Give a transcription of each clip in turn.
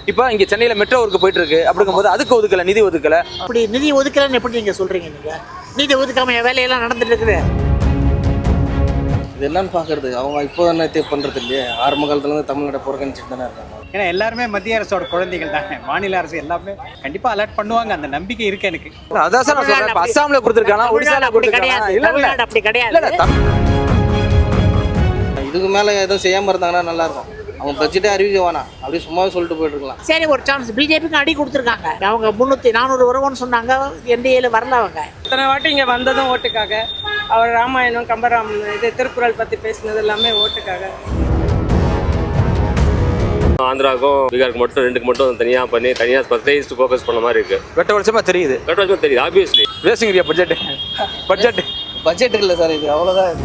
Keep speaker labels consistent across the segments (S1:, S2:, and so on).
S1: இப்போ இங்கே சென்னையில் மெட்ரோ ஒர்க்கு போயிட்டு இருக்கு. அப்படிங்கும்போது அதுக்கு ஒதுக்கலை, நிதி ஒதுக்கலை.
S2: அப்படி நிதி ஒதுக்கலைன்னு எப்படி நீங்கள் சொல்கிறீங்க? நீங்கள் நிதி ஒதுக்காம வேலையெல்லாம் நடந்துட்டு இருக்குது.
S3: இது என்னன்னு பார்க்கறது அவங்க இப்போ என்ன பண்ணுறது இல்லையே. ஆரம்ப காலத்துலேருந்து தமிழ்நாட்டை புறக்கணிச்சிட்டு தானே இருக்காங்க.
S4: ஏன்னா எல்லாருமே மத்திய அரசோட குழந்தைகள் தானே. மாநில அரசு எல்லாமே கண்டிப்பாக அலர்ட் பண்ணுவாங்க, அந்த நம்பிக்கை இருக்கு எனக்கு.
S1: அதான் சார் நான் சொல்றேன். அஸ்ஸாமில் கொடுத்துருக்காங்க, ஒடிசால கொடுத்துருக்காங்க. இல்லை
S2: அப்படி கிடையாது.
S3: இதுக்கு மேலே எதுவும் செய்யாமல் இருந்தாங்கன்னா நல்லாயிருக்கும். அவங்க பட்ஜெட்டே அறிவிக்க வேணாம், அப்படியே சும்மாவே சொல்லிட்டு போயிட்டு இருக்கலாம்.
S2: சரி, ஒரு சான்ஸ் பிஜேபிக்கு அடி கொடுத்துருக்காங்க. அவங்க 300-400 வருவோம்னு சொன்னாங்க. என்டிஏல வரல. அவங்க
S5: இத்தனை வாட்டி இங்கே வந்ததும் ஓட்டுக்காக. அவர் ராமாயணம், கம்பராமாயணம், இது திருக்குறள் பற்றி பேசினது எல்லாமே ஓட்டுக்காக.
S6: ஆந்திராவுக்கும் பீகாருக்கு மட்டும் 2க்கு மட்டும் தனியாக பண்ணி தனியாக ஸ்பெஷலைஸ்டு ஃபோக்கஸ் பண்ண மாதிரி இருக்குது.
S1: வெட்ட வருஷமாக தெரியுது.
S6: வெட்ட வருஷமாக தெரியுது. ஆப்வியஸ்லி
S1: வேஸ்டிங் ஏரியா
S3: பட்ஜெட் இல்லை சார், இது அவ்வளோதான்.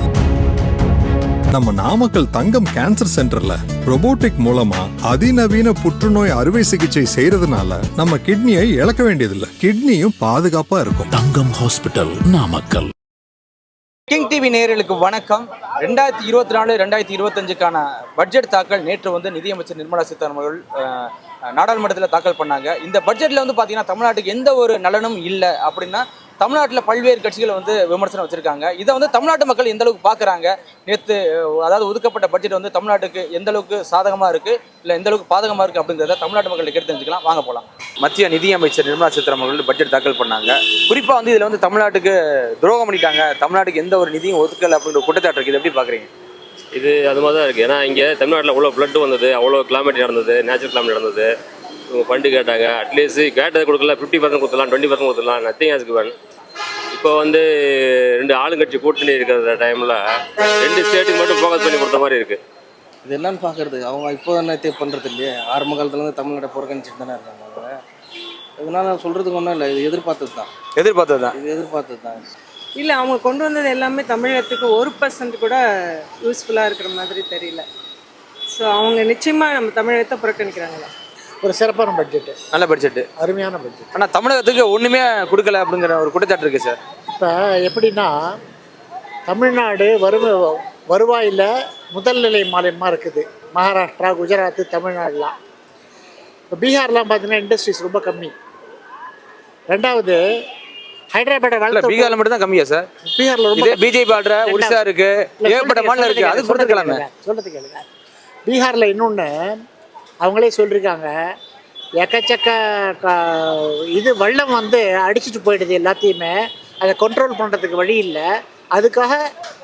S7: நம்ம நாமக்கல் தங்கம் கேன்சர் சென்டர்ல ரோபோட்டிக் மூலமா அதிநவீன புற்றுநோய் அறுவை சிகிச்சை செய்யறதுனால நம்ம கிட்னியை இழக்க வேண்டியதில்லை. கிட்னியும் பாதுகாப்பா இருக்கும்.
S8: Thangam hospital, Namakkal.
S1: King TV நேயர்களுக்கு வணக்கம். 2024-2025க்கான பட்ஜெட் தாக்கல் நேற்று நிதியமைச்சர் நிர்மலா சீதாராமன் அவர்கள் நாடாளுமன்றத்தில் தாக்கல் பண்ணாங்க. இந்த பட்ஜெட்டில் பார்த்தீங்கன்னா தமிழ்நாட்டுக்கு எந்த ஒரு நலனும் இல்லை அப்படின்னா தமிழ்நாட்டில் பல்வேறு கட்சிகள் விமர்சனம் வச்சுருக்காங்க. இதை தமிழ்நாட்டு மக்கள் எந்த அளவுக்கு பார்க்குறாங்க, நேற்று அதாவது ஒதுக்கப்பட்ட பட்ஜெட் தமிழ்நாட்டுக்கு எந்த அளவுக்கு சாதகமாக இருக்குது இல்லை எந்த அளவுக்கு பாதகமாக இருக்குது அப்படிங்கிறத தமிழ்நாட்டு மக்கள் கேட்டு தெரிஞ்சுக்கலாம். வாங்க போகலாம். மத்திய நிதியமைச்சர் நிர்மலா சீதாராமன் அவர்கள் பட்ஜெட் தாக்கல் பண்ணாங்க. குறிப்பாக இதில் தமிழ்நாட்டுக்கு துரோகம் பண்ணிட்டாங்க, தமிழ்நாட்டுக்கு எந்த ஒரு நிதியும் ஒதுக்கலை அப்படின்ற குற்றச்சாட்டு இருக்குது. எப்படி பார்க்குறீங்க?
S6: இது அது மாதிரி தான் இருக்குது. ஏன்னா இங்கே தமிழ்நாட்டில் அவ்வளோ ஃப்ளட்டு வந்தது, அவ்வளோ கிளைமேட் நடந்தது, நேச்சுரல் கிளைமேட் நடந்தது. இவங்க ஃபண்டு கேட்டாங்க, அட்லீஸ்ட் கேட்டதை கொடுக்கல. 50% கொடுத்துடலாம், 20% கொடுத்துடலாம், நத்திங் ஹஸ் கிவன். இப்போ 2 ஆளுங்கட்சி கூட்டணி இருக்கிற டைமில் 2 ஸ்டேட்டுக்கு மட்டும் ஃபோக்கஸ் பண்ணி கொடுத்த மாதிரி இருக்குது.
S3: இது என்னன்னு பார்க்கறது அவங்க இப்போ என்ன பண்ணுறது இல்லையே. ஆரம்ப காலத்துலேருந்து தமிழ்நாட்டை புறக்கணிச்சிட்டு தானே இருக்காங்க. அவங்க இதனால சொல்கிறதுக்கு ஒன்றும் இல்லை, இது எதிர்பார்த்தது தான். இது எதிர்பார்த்தது தான்.
S5: இல்லை, அவங்க கொண்டு வந்தது எல்லாமே தமிழகத்துக்கு 1% கூட யூஸ்ஃபுல்லாக இருக்கிற மாதிரி தெரியல. ஸோ அவங்க நிச்சயமாக நம்ம தமிழகத்தை புறக்கணிக்கிறாங்களா.
S2: ஒரு சிறப்பான பட்ஜெட்டு,
S1: நல்ல பட்ஜெட்டு,
S2: அருமையான பட்ஜெட்.
S1: ஆனால் தமிழகத்துக்கு ஒன்றுமே கொடுக்கல அப்படிங்கிற ஒரு குற்றச்சாட்டு இருக்குது சார்.
S2: இப்போ எப்படின்னா தமிழ்நாடு வருவாயில் முதல் நிலை மாநிலமாக இருக்குது. மகாராஷ்டிரா, குஜராத், தமிழ்நாடுலாம். இப்போ பீகார்லாம் பார்த்தீங்கன்னா இண்டஸ்ட்ரீஸ் ரொம்ப கம்மி. ரெண்டாவது ஹைதராபாத் வளர்த்து
S1: பீகார்ல மட்டும் தான் கம்மியா சார்?
S2: பீகாரில் ரொம்ப
S1: பிஜேபி ஆடுற ஒரிசா இருக்கு, ஏகப்பட்ட மாநிலம் இருக்கு. அது கொடுத்துருக்கலாமே.
S2: சொல்றது கேளுங்க. பீகாரில் இன்னொன்று அவங்களே சொல்லியிருக்காங்க, எக்கச்சக்க இது வெள்ளம் அடிச்சுட்டு போயிடுது எல்லாத்தையுமே. அதை கண்ட்ரோல் பண்ணுறதுக்கு வழி இல்லை. அதுக்காக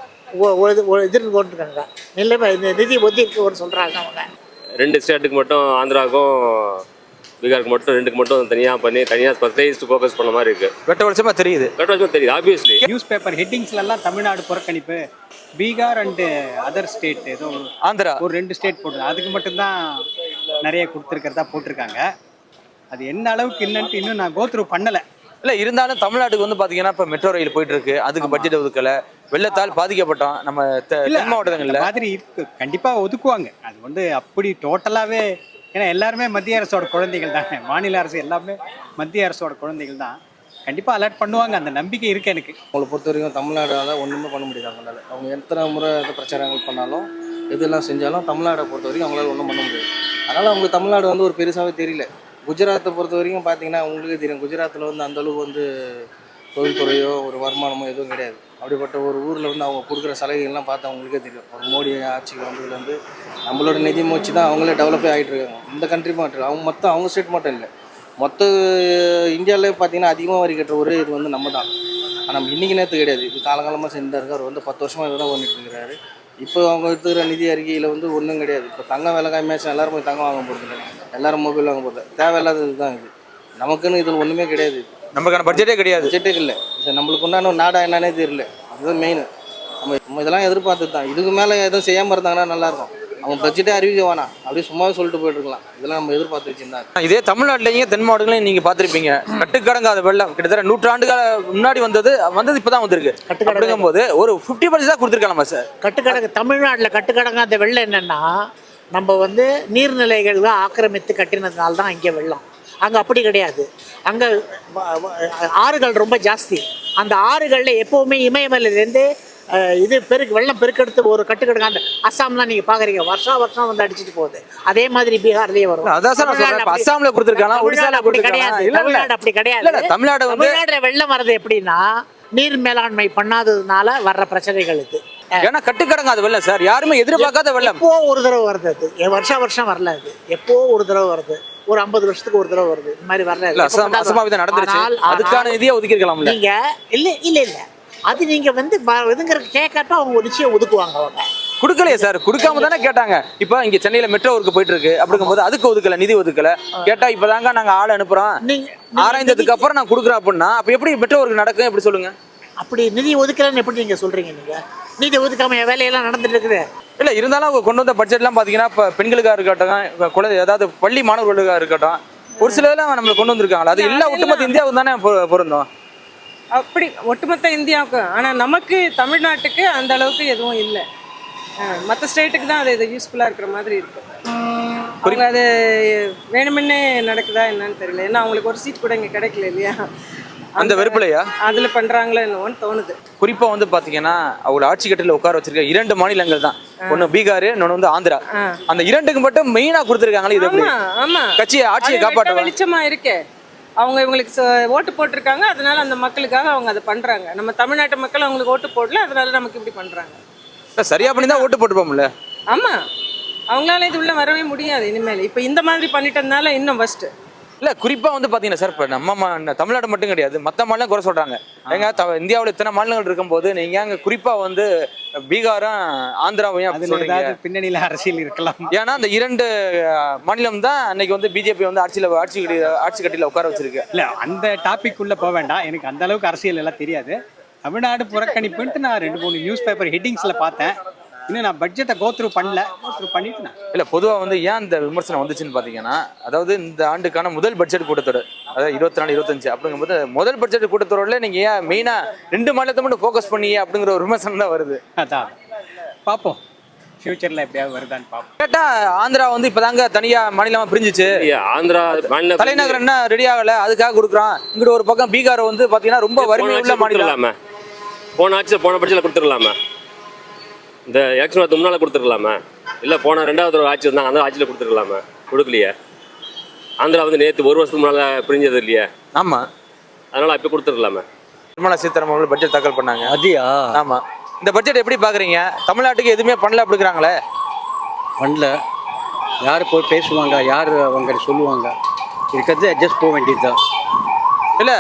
S2: எதிர்த்து கொண்டிருக்காங்க. நிலைமை இந்த நிதி ஒதுக்கி சொல்கிறாங்க. அவங்க
S6: 2 ஸ்டேட்டுக்கு மட்டும், ஆந்திராவுக்கும் பீகாருக்கு மட்டும் 2க்கு மட்டும் தனியாக பண்ணி தனியாக ஸ்பெஷலைஸ்டு ஃபோக்கஸ் பண்ண மாதிரி இருக்குது.
S1: வெட்ட வருஷமாக தெரியுது.
S6: ஆப்வியஸ்லி
S4: நியூஸ் பேப்பர் ஹெட்டிங்ஸ்லாம் தமிழ்நாடு புறக்கணிப்பு, பீகார் அண்டு அதர் ஸ்டேட் ஏதோ
S1: ஆந்திரா
S4: ஒரு 2 ஸ்டேட் போட்டு அதுக்கு மட்டும்தான் நிறைய கொடுத்துருக்கிறதா போட்டிருக்காங்க. அது என்ன அளவுக்கு என்னன்ட்டு இன்னும் நான் கோத்ரூ பண்ணலை.
S1: இல்லை, இருந்தாலும் தமிழ்நாட்டுக்கு பார்த்தீங்கன்னா இப்போ மெட்ரோ ரயில் போயிட்டு இருக்கு, அதுக்கு பட்ஜெட் ஒதுக்கலை. வெள்ளத்தால் பாதிக்கப்பட்டோம் நம்ம தென் மாவட்டங்களில்.
S4: மாதிரி இருக்கு, கண்டிப்பாக ஒதுக்குவாங்க. அது அப்படி டோட்டலாகவே. ஏன்னா எல்லாருமே மத்திய அரசோட குழந்தைகள் தானே. மாநில அரசு எல்லாமே மத்திய அரசோட குழந்தைகள் தான். கண்டிப்பாக அலர்ட் பண்ணுவாங்க, அந்த நம்பிக்கை இருக்குது எனக்கு.
S3: அவங்களை பொறுத்த வரைக்கும் தமிழ்நாடால் ஒன்றுமே பண்ண முடியாது. அவங்களால அவங்க எத்தனை முறை பிரச்சாரங்கள் பண்ணாலும் எதெல்லாம் செஞ்சாலும் தமிழ்நாடை பொறுத்த வரைக்கும் அவங்களால ஒன்றும் பண்ண முடியாது. அதனால் அவங்களுக்கு தமிழ்நாடு ஒரு பெருசாகவே தெரியல. குஜராத்தை பொறுத்த வரைக்கும் பார்த்தீங்கன்னா உங்களுக்கே தெரியும், குஜராத்தில் அந்தளவுக்கு தொழில்துறையோ ஒரு வருமானமோ எதுவும் கிடையாது. அப்படிப்பட்ட ஒரு ஊரில் அவங்க கொடுக்குற சலுகைகள்லாம் பார்த்து அவங்களுக்கே தெரியும். ஒரு மோடி ஆட்சிக்கு வந்ததுலேருந்து நம்மளோட நிதி மூச்சு தான் அவங்களே டெவலப்பே ஆகிட்டு இருக்காங்க. இந்த கண்ட்ரி மட்டும் அவங்க ஸ்டேட் மட்டும் இல்லை, மொத்த இந்தியாவிலே பார்த்தீங்கன்னா அதிகமாக வரி கட்டுற ஒரே இது நம்ம தான். ஆனால் இன்றைக்கி நேரத்து கிடையாது, இது காலகாலமாக செஞ்சுட்டு இருக்கார். 10 வருஷமாக இதை தான் பண்ணிட்டு இருக்கிறாரு. இப்போ அவங்க எடுத்துக்கிற நிதி அறிக்கையில் ஒன்றும் கிடையாது. இப்போ தங்கம் விலை கம்மியாச்சும் எல்லோரும் போய் தங்கம் வாங்க போகிறது இல்லை, எல்லோரும் மொபைல் வாங்க போகிறது. தேவையில்லாதது தான் இது. நமக்குன்னு இதில் ஒன்றுமே கிடையாது.
S1: நமக்கான பட்ஜெட்டே கிடையாது.
S3: பட்ஜெட்டே இல்லை. இது நம்மளுக்கு உண்டான நாடாக என்னன்னே தெரியல. அதுதான் மெயின். நம்ம இதெல்லாம் எதிர்பார்த்தது தான். இதுக்கு மேலே எதுவும் செய்யாமல் இருந்தாங்கன்னா நல்லாயிருக்கும். அவங்க பட்ஜெட்டே அறிவிக்க வேணாம், அப்படியே சும்மாவே சொல்லிட்டு போயிட்டு இருக்கலாம். இதெல்லாம் நம்ம எதிர்பார்த்து வச்சுருந்தாங்க.
S1: இதே தமிழ்நாட்டிலேயும் தென் மாவட்டங்களையும் நீங்கள் பார்த்துருப்பீங்க. கட்டுக்கடங்காத வெள்ளம் கிட்டத்தட்ட 100 ஆண்டுகால முன்னாடி வந்தது இப்போ தான் வந்திருக்கு. கட்டுக்கடங்கும் போது ஒரு 50% தான் கொடுத்துருக்கலாமா சார்?
S2: கட்டுக்கடங்கு தமிழ்நாட்டில் கட்டுக்கடங்காத வெள்ளம் என்னென்னா, நம்ம நீர்நிலைகள்லாம் ஆக்கிரமித்து கட்டினதுனால தான் இங்கே வெள்ளம். அங்கே அப்படி கிடையாது. அங்கே ஆறுகள் ரொம்ப ஜாஸ்தி. அந்த ஆறுகளில் எப்போவுமே இமயமலையிலேருந்து இது வெள்ளம் பெருக்கெடுத்து ஒரு கட்டுக்கடுங்க. அந்த அஸ்ஸாம்லாம் நீங்கள் பார்க்குறீங்க, வருஷம் வந்து அடிச்சுட்டு போகுது. அதே மாதிரி பீகார்லேயே வரும்.
S1: அதான் சார் நான் சொல்றேன். இப்ப அஸ்ஸாம்ல கொடுத்துருக்காங்க, ஒடிசால
S2: அப்படி கிடையாது. தமிழ்நாடு அப்படி கிடையாது.
S1: தமிழ்நாடு வந்து
S2: தமிழ்நாடுல வெள்ளம் வர்றது எப்படின்னா நீர் மேலாண்மை பண்ணாததுனால வர்ற பிரச்சனைகள் இது.
S1: ஏன்னா கட்டுக்கடங்க அது வெள்ளம் சார், யாருமே எதிர்பார்க்காத வெள்ளம்.
S2: எப்போ ஒரு தடவை வருது அது, வருஷம் வரல அது. எப்போ ஒரு தடவை வருது, ஒரு 50 வருஷத்துக்கு ஒரு தடவை வருது. இந்த மாதிரி வரல.
S1: அசம்பாவிதம் நடந்துருச்சு, அதுக்கான நிதியை ஒதுக்கி இருக்கலாம்ல
S2: நீங்க. இல்ல அது நீங்க வந்து இதுங்கிற கேட்காட்டா அவங்க நிச்சயம் ஒதுக்குவாங்க. அவங்க
S1: கொடுக்கலையே சார், கொடுக்காம தானே கேட்டாங்க. இப்போ இங்க சென்னையில மெட்ரோ ஒர்க் போயிட்டு இருக்கு, அப்படிங்கும்போது அதுக்கு ஒதுக்கல, நிதி ஒதுக்கல. கேட்டா இப்பதாங்க நாங்க ஆள் அனுப்புறோம், ஆராய்ந்ததுக்கு அப்புறம் நான் கொடுக்குறேன் அப்படின்னா அப்ப எப்படி மெட்ரோ ஒர்க் நடக்கும்? எப்படி சொல்லுங்க?
S2: அப்படி நிதி ஒதுக்கலன்னு எப்படி நீங்க சொல்றீங்க? நீங்க நிதி ஒதுக்காம வேலையெல்லாம் நடந்துட்டு இருக்குது.
S1: இல்ல இருந்தாலும் அவங்க கொண்டு வந்த பட்ஜெட்லாம் பாத்தீங்கன்னா இப்ப பெண்களுக்காக இருக்கட்டும், குழந்தை அதாவது பள்ளி மாணவர்களுக்காக இருக்கட்டும், ஒரு சில இதெல்லாம் நம்மளுக்கு கொண்டு வந்திருக்காங்களா? அது எல்லா ஒட்டுமொத்த இந்தியாவுக்கு தானே பொருந்தும்.
S5: அப்படி ஒட்டுமொத்த இந்தியாவுக்கு. ஆனால் நமக்கு தமிழ்நாட்டுக்கு அந்த அளவுக்கு எதுவும் இல்லை. மற்ற ஸ்டேட்டுக்கு தான் அது இது யூஸ்ஃபுல்லாக இருக்கிற மாதிரி இருக்கு. அவங்க அது வேணுமென்னே நடக்குதா என்னன்னு தெரியல. ஏன்னா அவங்களுக்கு ஒரு சீட் கூட இங்கே கிடைக்கல இல்லையா?
S1: அந்த வெறுப்புலையா
S5: அதில் பண்ணுறாங்களோ என்னவோன்னு தோணுது.
S1: குறிப்பாக வந்து பார்த்தீங்கன்னா அவங்க ஆட்சி கட்டில உட்கார வச்சிருக்க 2 மாநிலங்கள் தான். ஒன்று பீகார், இன்னொன்று வந்து ஆந்திரா. அந்த 2க்கு மட்டும் மெயினாக கொடுத்துருக்காங்களே. இது எப்படி கட்சியை ஆட்சியை காப்பாற்ற
S5: வெளிச்சமாக இருக்கே. அவங்க இவங்களுக்கு ஓட்டு போட்டிருக்காங்க, அதனால அந்த மக்களுக்காக அவங்க அதை பண்ணுறாங்க. நம்ம தமிழ்நாட்டு மக்கள் அவங்களுக்கு ஓட்டு போடல, அதனால நமக்கு இப்படி பண்ணுறாங்க.
S1: சரியா பண்ணி தான் ஓட்டு போட்டுப்போம்ல.
S5: ஆமாம், அவங்களால இது உள்ள வரவே முடியாது இனிமேல். இப்போ இந்த மாதிரி பண்ணிட்டதுனால இன்னும் ஃபஸ்ட்டு.
S1: இல்லை குறிப்பாக வந்து பார்த்தீங்கன்னா சார், இப்போ நம்ம தமிழ்நாடு மட்டும் கிடையாது, மற்ற மாநிலம் குறை சொல்கிறாங்க. ஏங்க இந்தியாவில் இத்தனை மாநிலங்கள் இருக்கும்போது நீங்கள் அங்கே குறிப்பாக வந்து பீகாரும் ஆந்திராவையும் அப்படி சொல்றீங்க.
S4: பின்னணியில் அரசியல் இருக்கலாம்.
S1: ஏன்னா அந்த 2 மாநிலம் தான் அன்னைக்கு வந்து பிஜேபி வந்து ஆட்சி கட்டில உட்கார வச்சிருக்கு.
S4: இல்லை அந்த டாபிக் உள்ள போக வேண்டாம், எனக்கு அந்த அளவுக்கு அரசியல் எல்லாம் தெரியாது. தமிழ்நாடு புறக்கணிப்புன்ட்டு நான் 2-3 நியூஸ் பேப்பர் ஹெட்டிங்ஸில் பார்த்தேன். இன்னும் நான் பட்ஜெட்டை கோத்ரூ பண்ணிட்டு நான்
S1: இல்லை பொதுவாக வந்து ஏன் இந்த விமர்சனம் வந்துச்சுன்னு பார்த்தீங்கன்னா, அதாவது இந்த ஆண்டுக்கான முதல் பட்ஜெட் கூட்டத்தொடர், அதாவது 24-25 அப்படிங்கும்போது முதல் பட்ஜெட் கூட்டத்தொடரில் நீங்கள் ஏன் மெயினாக 2 மாநிலத்தை மட்டும் ஃபோக்கஸ் பண்ணியே அப்படிங்கிற ஒரு விமர்சனம் தான் வருது.
S4: அதான் பார்ப்போம், ஃபியூச்சரில் எப்படியாவது வருதான்னு பார்ப்போம்.
S1: கேட்டால் ஆந்திரா வந்து இப்போதாங்க தனியாக மாநிலமாக பிரிஞ்சிச்சு.
S6: ஆந்திரா மாநில
S1: தலைநகர் என்ன ரெடி ஆகலை, அதுக்காக கொடுக்குறான். இங்கிட்ட ஒரு பக்கம் பீகார் வந்து பார்த்தீங்கன்னா ரொம்ப வறுமை உள்ள மாநிலம்.
S6: போன பட்ஜெட்டில் கொடுத்துடலாமா? இந்த எலெக்ஷன் வரது முன்னால் கொடுத்துருக்கலாமா? இல்லை போன 2வது ஒரு ஆட்சி வந்தாங்க, அந்த ஆட்சியில் கொடுத்துருக்கலாமா? கொடுக்கலையே. ஆந்திரா வந்து நேற்று 1 வருஷத்துக்கு முன்னால் பிரிஞ்சது இல்லையா?
S1: ஆமாம்,
S6: அதனால் அப்போ கொடுத்துருக்கலாமா?
S1: நிர்மலா சீதாராமன் அவர்கள் பட்ஜெட் தாக்கல் பண்ணாங்க.
S3: அதியா?
S1: ஆமாம். இந்த பட்ஜெட் எப்படி பார்க்குறீங்க? தமிழ்நாட்டுக்கு எதுவுமே பண்ணல அப்படிங்கிறாங்களே.
S9: பண்ணல. யார் போய் பேசுவாங்க, யார் அவங்க சொல்லுவாங்க? இருக்கிறது அட்ஜஸ்ட் போக வேண்டியது தான்.
S1: இல்லை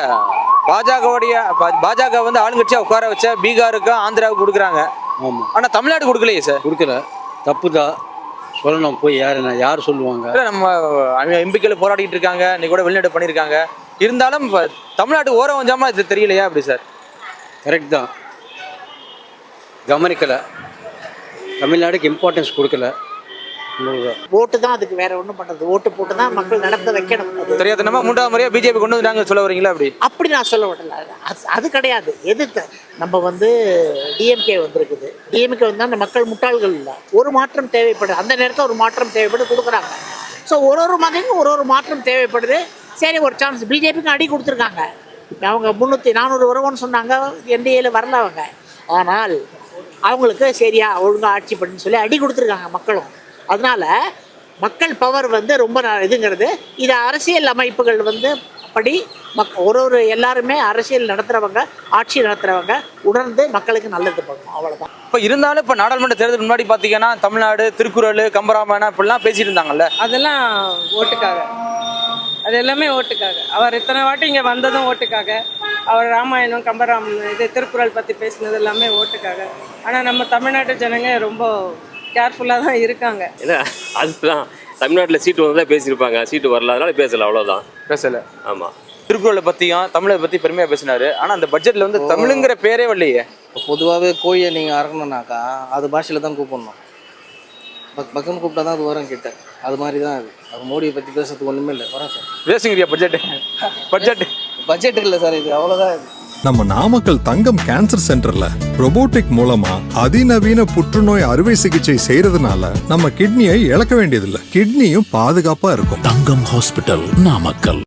S1: பாஜக வந்து ஆளுங்கட்சியாக உட்கார வச்ச பீகாருக்கு ஆந்திராவுக்கு கொடுக்குறாங்க.
S9: ஆமாம்.
S1: ஆனால் தமிழ்நாடு கொடுக்கலையே சார்.
S9: கொடுக்கல, தப்பு தான் சொல்லணும். போய் யார் சொல்லுவாங்க?
S1: இல்லை நம்ம எம்பிக்கள் போராடிட்டு இருக்காங்க, இன்னைக்கு கூட வெளிநாடு பண்ணியிருக்காங்க. இருந்தாலும் தமிழ்நாடு ஓரம் வஞ்சாமல் இது தெரியலையா அப்படி சார்?
S9: கரெக்ட் தான், கவனிக்கலை. தமிழ்நாடுக்கு இம்பார்ட்டன்ஸ் கொடுக்கல.
S2: ஓட்டு தான் அதுக்கு, வேற ஒன்றும் பண்ணுறது. ஓட்டு போட்டு தான் மக்கள் நடத்த வைக்கணும்.
S1: தெரியாது, நம்ம 3வது முறையாக பிஜேபி கொண்டு வந்துட்டாங்க சொல்ல வரீங்களா? அப்படி
S2: நான் சொல்ல விடல, அது கிடையாது. எதிர்த்து நம்ம வந்து டிஎம்கே வந்திருக்குது. டிஎம்கே வந்தால் அந்த மக்கள் முட்டாள்கள் இல்லை. ஒரு மாற்றம் தேவைப்படுது, அந்த நேரத்தில் ஒரு மாற்றம் தேவைப்பட்டு கொடுக்குறாங்க. ஸோ ஒரு மாதிரியும் ஒரு மாற்றம் தேவைப்படுது. சரி, ஒரு சான்ஸ். பிஜேபிக்கு அடி கொடுத்துருக்காங்க. அவங்க 300-400 வருவோன்னு சொன்னாங்க, என்டிஏல வரல அவங்க. ஆனால் அவங்களுக்கு சரியா ஒழுங்காக ஆட்சி பண்ணுன்னு சொல்லி அடி கொடுத்துருக்காங்க மக்களும். அதனால மக்கள் பவர் வந்து ரொம்ப இதுங்கிறது. இது அரசியல் அமைப்புகள் வந்து படி எல்லாருமே அரசியல் நடத்துகிறவங்க, ஆட்சி நடத்துகிறவங்க உணர்ந்து மக்களுக்கு நல்லது பண்ணணும், அவ்வளோதான்.
S1: இப்போ இருந்தாலும் இப்போ நாடாளுமன்ற தேர்தல் முன்னாடி பார்த்தீங்கன்னா தமிழ்நாடு திருக்குறள், கம்பராமாயணம் இப்படிலாம் பேசிட்டு இருந்தாங்கல்ல.
S5: அதெல்லாம் ஓட்டுக்காக, அது எல்லாமே ஓட்டுக்காக. அவர் இத்தனை வாட்டி இங்கே வந்ததும் ஓட்டுக்காக. அவர் ராமாயணம், கம்பராமாயணம், திருக்குறள் பற்றி பேசினது எல்லாமே ஓட்டுக்காக. ஆனால் நம்ம தமிழ்நாட்டு ஜனங்க ரொம்ப கேர்ஃபுல்லாக தான் இருக்காங்க.
S6: இல்லை அதுதான் தமிழ்நாட்டில் சீட்டு வந்தால் பேசியிருப்பாங்க, சீட்டு வரல, அதனால பேசலை, அவ்வளோதான்.
S1: பேசலை.
S6: ஆமாம்.
S1: திருக்குறளை பற்றியும் தமிழை பற்றி பெருமையாக பேசினார். ஆனால் அந்த பட்ஜெட்டில் வந்து தமிழுங்கிற பேரே வரலையே.
S3: பொதுவாகவே கோழியை நீங்கள் அறக்கணுன்னாக்கா அது பாஷையில் தான் கூப்பிடணும். பக்கம்னு கூப்பிட்டா தான் அது வரும் கிட்ட. அது மாதிரி தான் அது மோடியை பற்றி பேசுறதுக்கு ஒன்றுமே இல்லை. வரேன் சார்.
S1: பேசுங்கிறியா பட்ஜெட்
S3: இல்லை சார், இது அவ்வளோதான். இது
S7: நம்ம நாமக்கல் தங்கம் கேன்சர் சென்டர்ல ரோபோட்டிக் மூலமா அதிநவீன புற்றுநோய் அறுவை சிகிச்சை செய்யறதுனால நம்ம கிட்னியை இழக்க வேண்டியதில்லை. கிட்னியும் பாதுகாப்பா இருக்கும்.
S8: தங்கம் ஹாஸ்பிட்டல், நாமக்கல்.